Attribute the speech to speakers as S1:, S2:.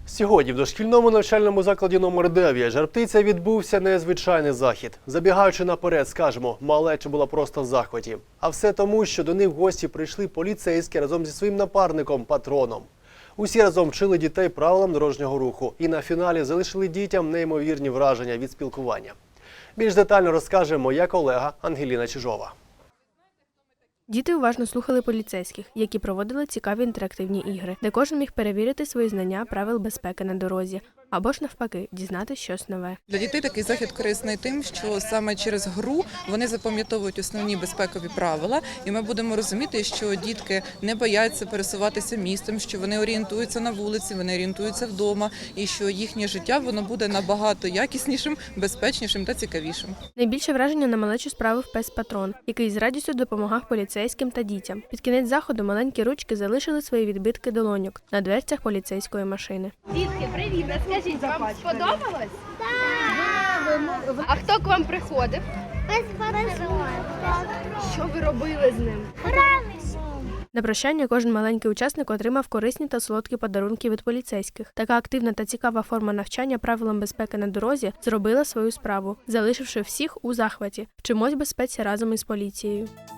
S1: Сьогодні в дошкільному навчальному закладі номер 9 Жар-Птиця відбувся незвичайний захід. Забігаючи наперед, скажемо, малеча була просто в захваті. А все тому, що до них в гості прийшли поліцейські разом зі своїм напарником – патроном. Усі разом вчили дітей правилам дорожнього руху і на фіналі залишили дітям неймовірні враження від спілкування. Більш детально розкаже моя колега Ангеліна Чижова.
S2: Діти уважно слухали поліцейських, які проводили цікаві інтерактивні ігри, де кожен міг перевірити свої знання правил безпеки на дорозі, або ж навпаки, дізнатися щось нове.
S3: Для дітей такий захід корисний тим, що саме через гру вони запам'ятовують основні безпекові правила, і ми будемо розуміти, що дітки не бояться пересуватися містом, що вони орієнтуються на вулиці, вони орієнтуються вдома, і що їхнє життя воно буде набагато якіснішим, безпечнішим та цікавішим.
S2: Найбільше враження на малечу справив пес-патрон, який з радістю допомагав поліцейським та дітям. Під кінець заходу маленькі ручки залишили свої відбитки долоньок на дверцях поліцейської машини.
S4: Дітки, привіт! Скажіть, вам сподобалось? Так! А хто к вам приходив?
S5: Пес-патрон.
S4: Що ви робили з ним?
S5: Гралися.
S2: На прощання кожен маленький учасник отримав корисні та солодкі подарунки від поліцейських. Така активна та цікава форма навчання правилам безпеки на дорозі зробила свою справу, залишивши всіх у захваті. Вчимось безпеці разом із поліцією.